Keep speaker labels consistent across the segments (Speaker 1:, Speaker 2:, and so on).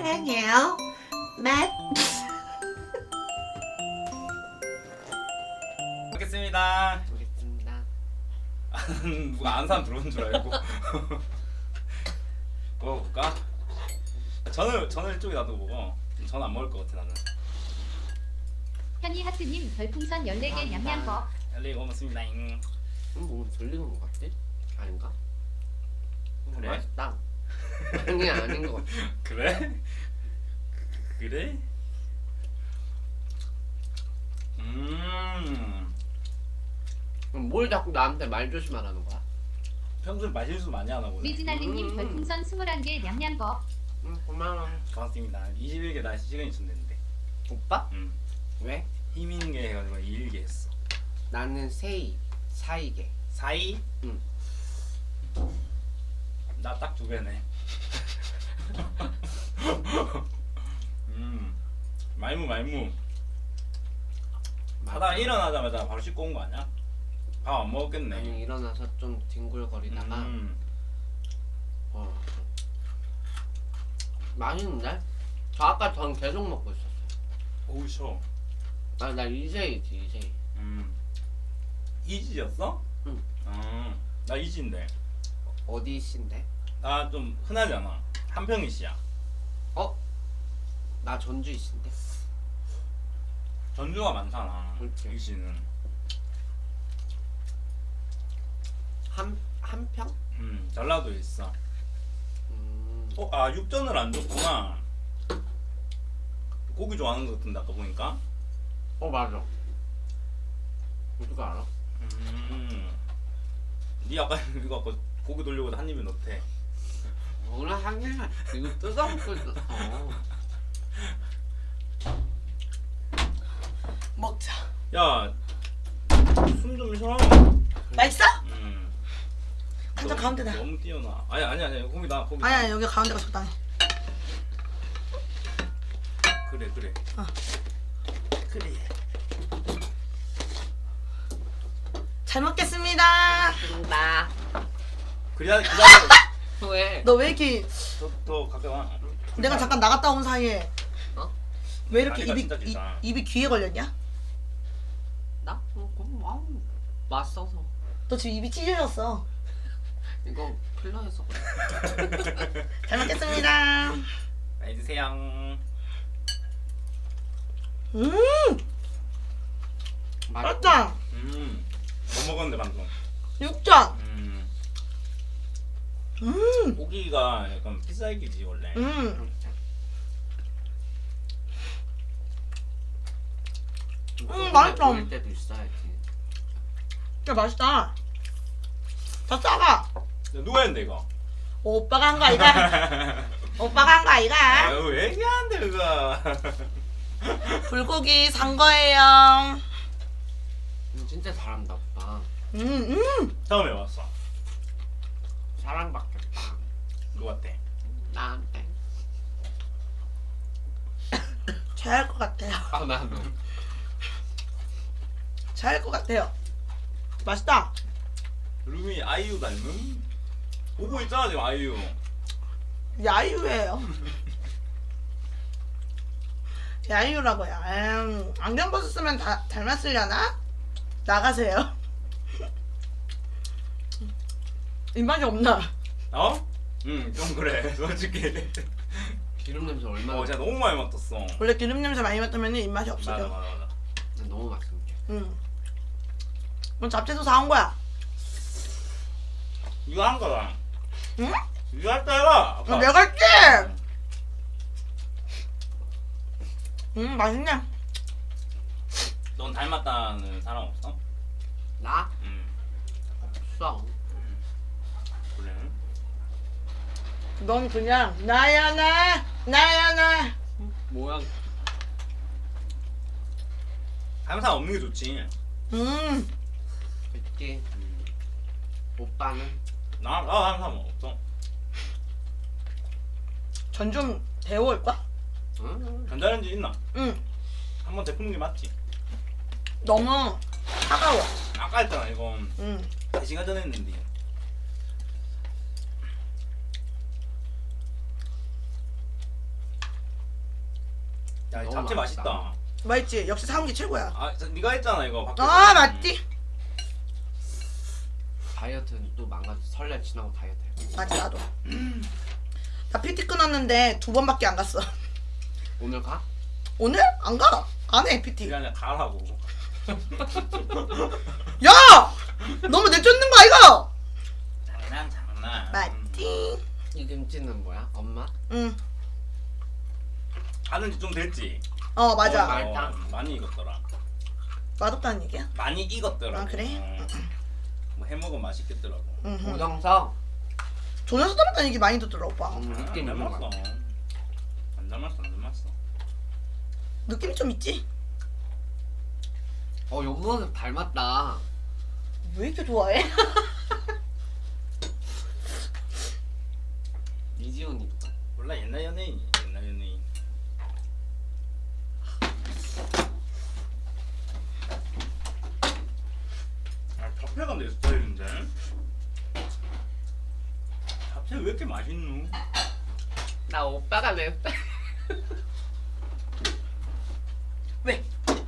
Speaker 1: 사랑해요. 맵.
Speaker 2: 먹겠습니다.
Speaker 3: 알겠습니다.
Speaker 2: 누가 아는 사람 들어온 줄 알고. 먹어볼까? 전을 이쪽에 놔두고 전 안 먹을 것 같아 나는.
Speaker 4: 현이 하트님 별풍선 14개 냠냠거.
Speaker 2: 엘리 고맙습니다.
Speaker 3: 뭐 들리는 것 같지? 아닌가?
Speaker 2: 그래?
Speaker 3: 맛있다. 아니 아닌 것 같아.
Speaker 2: 그래? 그래?
Speaker 3: 그럼 뭘 자꾸 나한테 말 조심하라는 거야?
Speaker 2: 평소에 마실수 많이 하나 보네.
Speaker 4: 미진알리님 별풍선 21개 냠냠거.
Speaker 3: 고마워.
Speaker 2: 고맙습니다. 21개 나 시간이 줬는데.
Speaker 3: 오빠? 왜?
Speaker 2: 힘 있는 게 해가지고 21개 했어.
Speaker 3: 나는 세이, 사이게.
Speaker 2: 사이?
Speaker 3: 응.
Speaker 2: 나 딱 2배네. 말무. 하다가 일어나자마자 바로 씻고 온 거 아니야? 밥 안 먹었겠네.
Speaker 3: 아니 일어나서 좀 뒹굴거리다가 맛있는데? 저 아까 전 계속 먹고 있었어.
Speaker 2: 오우 쉬워.
Speaker 3: 나 이세이지 이세이.
Speaker 2: 이지였어?
Speaker 3: 응.
Speaker 2: 나 이지인데.
Speaker 3: 어디 씨인데?
Speaker 2: 나 좀 흔하잖아. 한평이 씨야.
Speaker 3: 어? 나 전주 씨인데?
Speaker 2: 전주가 많잖아.
Speaker 3: 그렇지.
Speaker 2: 이 씨는.
Speaker 3: 한 평?
Speaker 2: 전라도에 있어. 육전을 안 줬구나. 고기 좋아하는 것 같은데 아까 보니까.
Speaker 3: 맞아. 누가 알아?
Speaker 2: 니 아까 이거 아까 고기 돌려고 한 입에 넣대.
Speaker 3: 오늘 한 개만 이거 뜯어먹고 있었어.
Speaker 1: 먹자.
Speaker 2: 야, 숨 좀 쉬어.
Speaker 1: 맛있어? 한잔
Speaker 2: 너무-
Speaker 1: 가운데다.
Speaker 2: 너무 뛰어나. 아니 거기 나.
Speaker 1: 아니야 여기 가운데가 적당해.
Speaker 2: 그래.
Speaker 1: 그래. 잘 먹겠습니다.
Speaker 3: 나
Speaker 2: 기다려.
Speaker 3: 왜?
Speaker 1: 너 왜 이렇게
Speaker 2: 더 가까이 와.
Speaker 1: 내가 잠깐 나갔다 온 사이에
Speaker 3: 어?
Speaker 1: 왜 이렇게
Speaker 2: 다리가 진짜 길다.
Speaker 1: 입이 귀에 걸렸냐?
Speaker 3: 나? 와우 맛있어서.
Speaker 1: 너 지금 입이 찢어졌어.
Speaker 3: 이거 필러해서 그래.
Speaker 1: 잘 먹겠습니다.
Speaker 2: 많이 드세요.
Speaker 1: 맛있다.
Speaker 2: 뭐 먹었는데 방금.
Speaker 1: 육전.
Speaker 2: 고기가 약간 피살기지 원래.
Speaker 1: 맛있다.
Speaker 3: 보일 때도 있어야지.
Speaker 1: 야 맛있다. 다 싸가.
Speaker 2: 누가 했는데 이거?
Speaker 1: 오빠가 한 거 아이가? 오빠가 한 거 아이가?
Speaker 2: 아유 왜 얘기하는데 그거.
Speaker 1: 불고기 산 거예요.
Speaker 3: 진짜 잘한다 오빠.
Speaker 2: 처음에 왔어.
Speaker 3: 사랑받겠다.
Speaker 2: 누구 같대?
Speaker 3: 나한테.
Speaker 1: 잘할 것 같아요.
Speaker 3: 나도.
Speaker 1: 잘할 것 같아요. 맛있다.
Speaker 2: 루미 아이유 닮은? 보고 있잖아 지금 아이유.
Speaker 1: 야유예요. 야유라고요. 안경 벗었으면 다 닮았으려나? 나가세요. 입맛이 없나?
Speaker 2: 어? 좀 그래 솔직히.
Speaker 3: 기름 냄새 얼마나.
Speaker 2: 진짜 너무 많이 맡았어.
Speaker 1: 원래 기름 냄새 많이 맡으면 입맛이 없어져.
Speaker 2: 맞아.
Speaker 3: 너무 맛있는데.
Speaker 1: 뭐 잡채도 사온 거야.
Speaker 2: 이거 한 거다.
Speaker 1: 응?
Speaker 2: 이거 할 때가.
Speaker 1: 내가 했지. 맛있네.
Speaker 2: 넌 닮았다는 사람 없어?
Speaker 3: 나? 없어.
Speaker 2: 그래.
Speaker 1: 넌 그냥 나야 나.
Speaker 3: 뭐야?
Speaker 2: 닮은 사람 없는 게 좋지.
Speaker 3: 그치. 오빠는?
Speaker 2: 나 닮은 사람 없어.
Speaker 1: 전 좀 데워올까?
Speaker 2: 전자레인지 있나?
Speaker 1: 응.
Speaker 2: 한번 데푸는 게 맞지.
Speaker 1: 너무 차가워.
Speaker 2: 아까 했잖아 이거.
Speaker 1: 응.
Speaker 2: 4시간 전에 했는데. 야,
Speaker 3: 너무
Speaker 2: 잡채 맛있다.
Speaker 1: 맛있지? 역시 사온 게 최고야.
Speaker 2: 네가 했잖아 이거. 밖에서.
Speaker 1: 아 맞지?
Speaker 3: 다이어트는 또 망가져. 설날 지나고 다이어트 해.
Speaker 1: 맞아 나도. 나 PT 끊었는데 2번밖에 안 갔어.
Speaker 3: 오늘 가?
Speaker 1: 오늘? 안 가. 안 해 PT.
Speaker 2: 그냥 가라고.
Speaker 1: 야! 너무 내쫓는 거 아이가?
Speaker 2: 장난.
Speaker 1: 맞지?
Speaker 3: 이 김치는 뭐야? 엄마?
Speaker 1: 응.
Speaker 2: 하는 지 좀 됐지.
Speaker 1: 맞아.
Speaker 3: 맛있다.
Speaker 2: 많이 익었더라.
Speaker 1: 맛없다는 얘기야?
Speaker 2: 많이 익었더라.
Speaker 1: 아, 그래?
Speaker 2: 뭐 해먹으면 맛있겠더라고.
Speaker 1: 응.
Speaker 3: 고정석.
Speaker 1: 조연수 닮았다는 얘기 많이 듣더라 오빠.
Speaker 3: 느낌 있는 거
Speaker 2: 닮았어.
Speaker 3: 같아.
Speaker 2: 안 닮았어.
Speaker 1: 느낌이 좀 있지?
Speaker 3: 연모습 닮았다.
Speaker 1: 왜 이렇게 좋아해?
Speaker 3: 이지훈 이뻐.
Speaker 2: 몰라 옛날 연예인. 잡채가 내 스타일인데. 잡채 왜 이렇게 맛있노?
Speaker 3: 나 오빠가 내 스타일.
Speaker 1: 왜?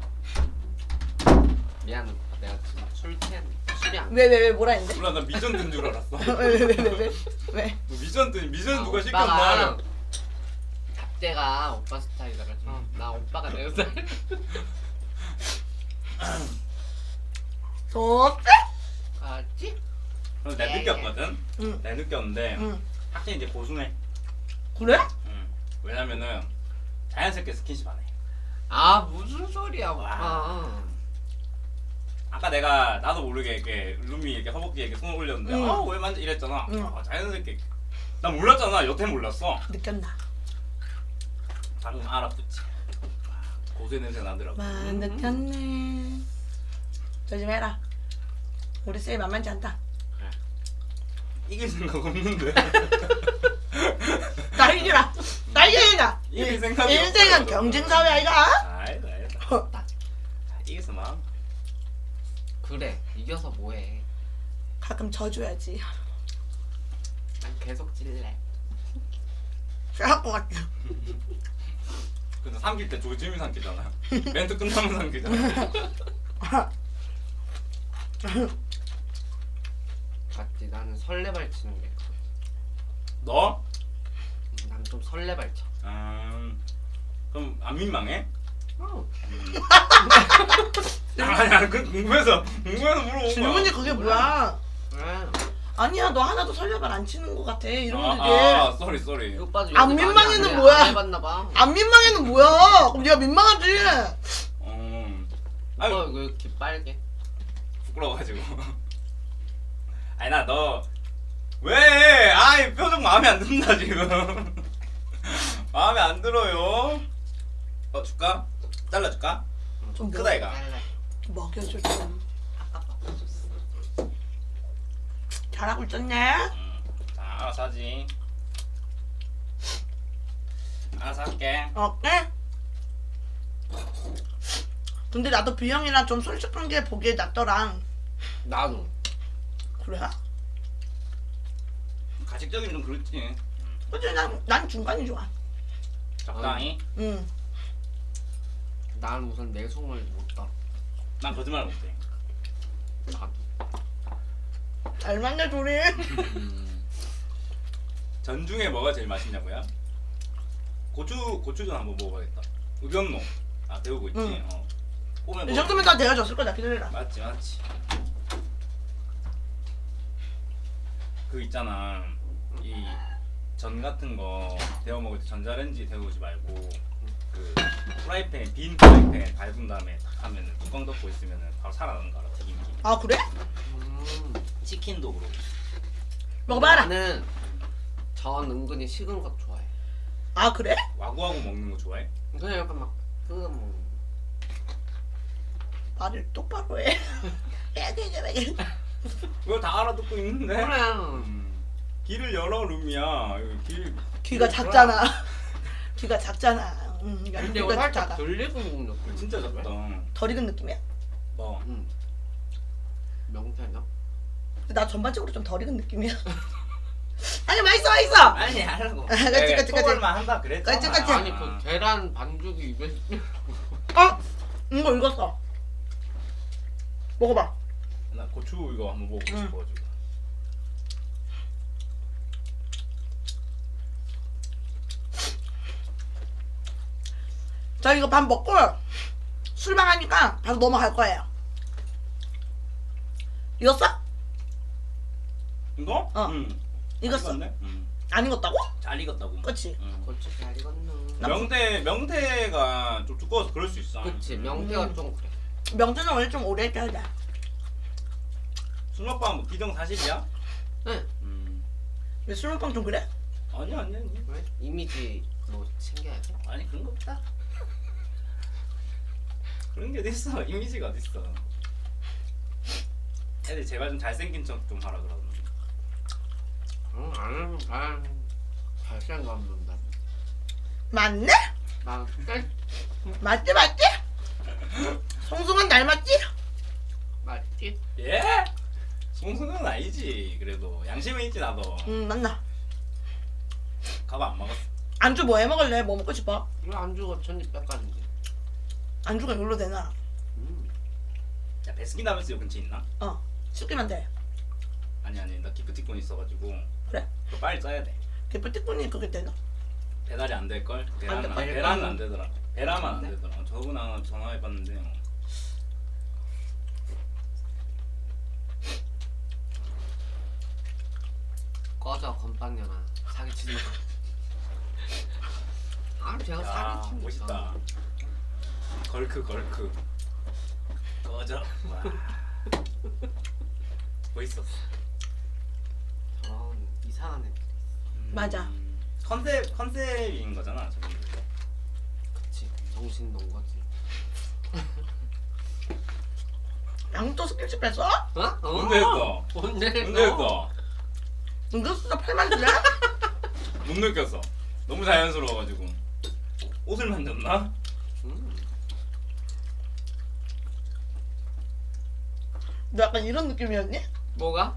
Speaker 3: 미안 오빠. 내가 지금 술 취한 술이 안.
Speaker 1: 왜 뭐라 했는데?
Speaker 2: 몰라 나 미전 든 줄 알았어.
Speaker 1: 왜?
Speaker 2: 너 미전 누가
Speaker 3: 오빠가
Speaker 2: 시켰나?
Speaker 3: 잡채가 오빠 스타일이라 그래서 나 오빠가 내 스타일.
Speaker 1: 좋대?
Speaker 3: 알지?
Speaker 2: 그래서 내가 느꼈거든.
Speaker 1: 응.
Speaker 2: 내가 느꼈는데
Speaker 1: 응.
Speaker 2: 확실히 이제 고수네.
Speaker 1: 그래?
Speaker 2: 왜냐면은 자연스럽게 스킨십 안 해.
Speaker 3: 아 무슨 소리야 오빠.
Speaker 2: 와. 아까 내가 나도 모르게 이렇게 룸이 이렇게 허벅지에 이렇게 손을 올렸는데
Speaker 1: 응.
Speaker 2: 왜 만져 이랬잖아.
Speaker 1: 응.
Speaker 2: 자연스럽게. 나 몰랐잖아. 여태 몰랐어.
Speaker 1: 느꼈나?
Speaker 2: 방금 알아붙지. 고수의 냄새 나더라고.
Speaker 1: 느꼈네. 저 좀 해라. 우리 쌤 만만치 않다.
Speaker 2: 이길 생각 없는데.
Speaker 1: 나 이기라. 나 이기라.
Speaker 2: 이길 생각이
Speaker 1: 인생은
Speaker 2: 없어요.
Speaker 1: 경쟁사회 아이가?
Speaker 2: 알다. 이겼어 마.
Speaker 3: 그래 이겨서 뭐해.
Speaker 1: 가끔 져줘야지.
Speaker 3: 난 계속 질래.
Speaker 1: 잘할 것 같아.
Speaker 2: 근데 삼킬 때 조짐이 삼키잖아. 멘트 끝나면 삼키잖아.
Speaker 3: 맞지? 나는 설레발 치는 게.
Speaker 2: 너?
Speaker 3: 난 좀 설레발 쳐.
Speaker 2: 그럼 안 민망해?
Speaker 3: 어.
Speaker 2: 아니야 그 궁금해서 물어본 거야.
Speaker 1: 질문이 그게 뭐야?
Speaker 3: 그래.
Speaker 1: 아니야 너 하나도 설레발 안 치는 것 같아. 이러면 되게.
Speaker 2: 쏘리.
Speaker 3: 이 오빠도
Speaker 1: 안
Speaker 3: 연애 많이
Speaker 1: 민망해는
Speaker 3: 안 해.
Speaker 1: 뭐야?
Speaker 3: 안 해봤나 봐.
Speaker 1: 안 민망해는 뭐야? 그럼 네가 민망하지.
Speaker 3: 오빠
Speaker 2: 아유
Speaker 3: 왜 이렇게 빨개?
Speaker 2: 부끄러워가지고. 아니 나 너 왜? 아이 표정 마음에 안 든다 지금. 마음에 안 들어요. 줄까? 잘라줄까?
Speaker 1: 좀
Speaker 2: 크다 이가.
Speaker 1: 먹여줘 좀. 잘하고 있었네.
Speaker 2: 자 알아서 하지. 알아서 할게.
Speaker 1: 어때? 근데 나도 비형이랑 좀 솔직한 게 보기에 낫더라.
Speaker 3: 나도.
Speaker 1: 그래?
Speaker 2: 가식적이면 좀 그렇지.
Speaker 1: 근데 난 중간이 좋아.
Speaker 2: 적당히.
Speaker 1: 응.
Speaker 3: 난 우선 내숭을 못 따.
Speaker 2: 난 거짓말 못해.
Speaker 3: 나도.
Speaker 1: 잘 맞네 둘이.
Speaker 2: 전 중에 뭐가 제일 맛있냐고요? 고추전 한번 먹어봐야겠다. 우변모. 배우고 있지.
Speaker 1: 응.
Speaker 2: 오면
Speaker 1: 이 정도면 다 데워졌을 거다. 기다려라.
Speaker 2: 맞지. 그 있잖아. 이 전 같은 거 데워 먹을 때 전자레인지 데우지 말고 그 프라이팬 빈 프라이팬 밟은 다음에 딱 하면은 뚜껑 덮고 있으면은 바로 살아나는 거 알아? 튀김기.
Speaker 1: 아 그래?
Speaker 2: 치킨도 그렇고.
Speaker 1: 먹어봐라.
Speaker 3: 나는 전 은근히 식은 거 좋아해.
Speaker 1: 아 그래?
Speaker 2: 와구와구 먹는 거 좋아해?
Speaker 3: 그냥 약간 막 뜯어 먹는 거.
Speaker 1: 말을 똑바로 해.
Speaker 2: 그걸 다 알아듣고 있는데.
Speaker 3: 그래.
Speaker 2: 길을 열어 룸이야.
Speaker 1: 귀가 작잖아. 귀가 작잖아.
Speaker 3: 근데
Speaker 1: 귀가
Speaker 3: 살짝
Speaker 1: 작아.
Speaker 3: 덜 익은 느낌.
Speaker 2: 진짜 작다.
Speaker 1: 덜 익은 느낌이야?
Speaker 2: 뭐?
Speaker 3: 명태나?
Speaker 1: 나 전반적으로 좀 덜 익은 느낌이야. 아니 맛있어 맛있어.
Speaker 2: 아니 하라고.
Speaker 1: 그치, 그치.
Speaker 2: 초벌만 한다 그랬잖아.
Speaker 1: 그치, 그치.
Speaker 3: 아니 그 계란 반죽이 입에
Speaker 1: 어? 이거 익었어. 먹어봐.
Speaker 2: 나 고추 이거 한번 먹고
Speaker 1: 응.
Speaker 2: 싶어가지고.
Speaker 1: 저 이거 밥 먹고 술방 하니까 바로 넘어갈 거예요. 익었어?
Speaker 2: 이거?
Speaker 1: 어.
Speaker 2: 응.
Speaker 1: 익었어.
Speaker 2: 네 응.
Speaker 1: 안 익었다고?
Speaker 2: 잘 익었다고.
Speaker 1: 그치.
Speaker 2: 응.
Speaker 3: 고추 잘 익었노.
Speaker 2: 명태가 좀 두꺼워서 그럴 수 있어.
Speaker 3: 그치 명태가 좀 그래.
Speaker 1: 명태는 원래 좀 오래 익혀야 돼.
Speaker 2: 술 먹방 뭐 비정 사실이야?
Speaker 3: 응.
Speaker 1: 왜 술먹방 좀 그래?
Speaker 2: 아니.
Speaker 3: 왜? 이미지 뭐 챙겨야지.
Speaker 2: 아니 그런 거 없다. 그런 게 어딨어. 이미지가 어딨어. 애들 제발 좀 잘생긴 척 좀 하라 그러던데.
Speaker 3: 응 나는 잘 잘생겼는데.
Speaker 1: 맞네?
Speaker 3: 난
Speaker 1: 맞지 맞지? 송승헌 닮았지?
Speaker 3: 맞지?
Speaker 2: 예? 송승은 아니지. 그래도 양심은 있지 나도.
Speaker 1: 맞나.
Speaker 2: 가봐 안 먹었어.
Speaker 1: 안주 뭐 해 먹을래? 뭐 먹고 싶어?
Speaker 3: 이거 안주가 천지백가인데.
Speaker 1: 안주가 이걸로 되나?
Speaker 2: 야 베스킨라빈스 요 근처에 있나?
Speaker 1: 시키면 돼.
Speaker 2: 아니 나 기프티콘 있어가지고.
Speaker 1: 그래.
Speaker 2: 그거 빨리 써야 돼.
Speaker 1: 기프티콘이 그게 되나?
Speaker 2: 배달이 안 될 걸.
Speaker 1: 안 돼.
Speaker 2: 배란은 안 되더라. 배라만 안
Speaker 1: 안 돼?
Speaker 2: 되더라. 저번에 전화해봤는데.
Speaker 3: 꺼져 건빵년아 사기치지 마. 아 제가
Speaker 2: 야
Speaker 3: 사기칩니다.
Speaker 2: 멋있다. 걸크. 꺼져. 와. 멋있었어.
Speaker 3: 저런 이상한 애.
Speaker 1: 맞아.
Speaker 2: 컨셉인 거잖아 저분.
Speaker 3: 그치 정신 놓은 거지.
Speaker 1: 양도 스킬십 했어?
Speaker 3: 어?
Speaker 2: 뭔데 했어?
Speaker 3: 뭔데
Speaker 2: 뭔데 했어?
Speaker 1: 이거 진짜 팔만 줄래?
Speaker 2: 못 느꼈어. 너무 자연스러워가지고. 옷을 만졌나?
Speaker 1: 너 약간 이런 느낌이었니?
Speaker 3: 뭐가?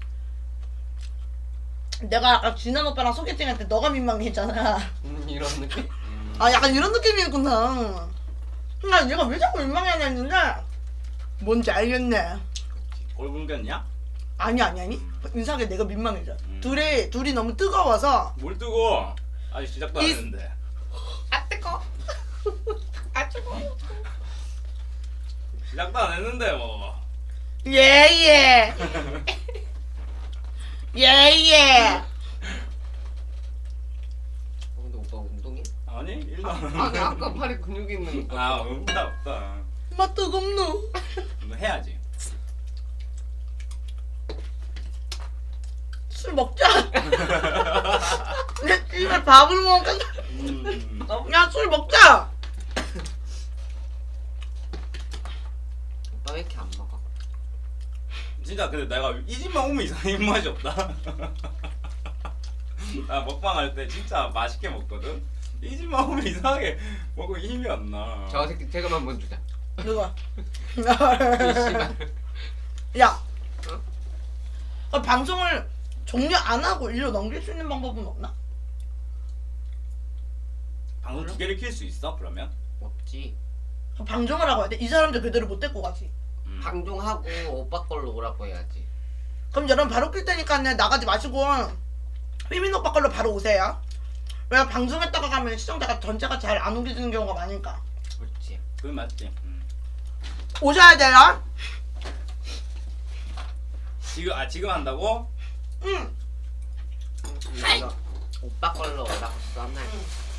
Speaker 1: 내가 아까 진한 오빠랑 소개팅할 때 너가 민망했잖아.
Speaker 3: 이런 느낌?
Speaker 1: 아 약간 이런 느낌이었구나. 나 얘가 왜 자꾸 민망해하냐 했는데 뭔지 알겠네.
Speaker 2: 얼굴견이야?
Speaker 1: 아니 이상하게 내가 민망해져. 둘이 너무 뜨거워서.
Speaker 2: 뭘 뜨고? 아직 시작도 안
Speaker 1: 이-
Speaker 2: 했는데.
Speaker 1: 아 뜨거. 아 뜨거.
Speaker 2: 시작도 안 했는데 뭐.
Speaker 1: 예예. 예예.
Speaker 3: 근데 오빠 운동해?
Speaker 2: 아니 일도 안
Speaker 3: 아니 아까 팔에 근육이 있는 거.
Speaker 2: 아 없다.
Speaker 1: 맛 뜨겁노.
Speaker 2: 너 해야지.
Speaker 1: 술 먹자. 내 집에 밥을 먹자. 야 술 먹자.
Speaker 3: 오빠 왜 이렇게 안 먹어?
Speaker 2: 진짜 근데 내가 이 집만 오면 이상한 입맛이 없다. 나 먹방 할 때 진짜 맛있게 먹거든. 이 집만 오면 이상하게 먹고 힘이 안 나.
Speaker 3: 저 새끼 세금 한번 주자.
Speaker 1: 누가?
Speaker 3: 이 씨발.
Speaker 1: 야. 방송을 종료 안 하고 일로 넘길 수 있는 방법은 없나?
Speaker 2: 방송 두 개를 킬 수 있어 그러면?
Speaker 3: 없지.
Speaker 1: 방송을 하고 해야 돼? 이 사람들 그대로 못 데리고 가지.
Speaker 3: 방종하고 오빠 걸로 오라고 해야지.
Speaker 1: 그럼 여러분 바로 낄 테니까 나가지 마시고 휘민 오빠 걸로 바로 오세요. 왜 방송했다가 가면 시청자가 전체가 잘 안 옮겨지는 경우가 많으니까.
Speaker 3: 그렇지.
Speaker 2: 그건 맞지.
Speaker 1: 오셔야 돼요.
Speaker 2: 지금 한다고?
Speaker 1: 응.
Speaker 3: 이거 오빠 걸로 오라고 써놔.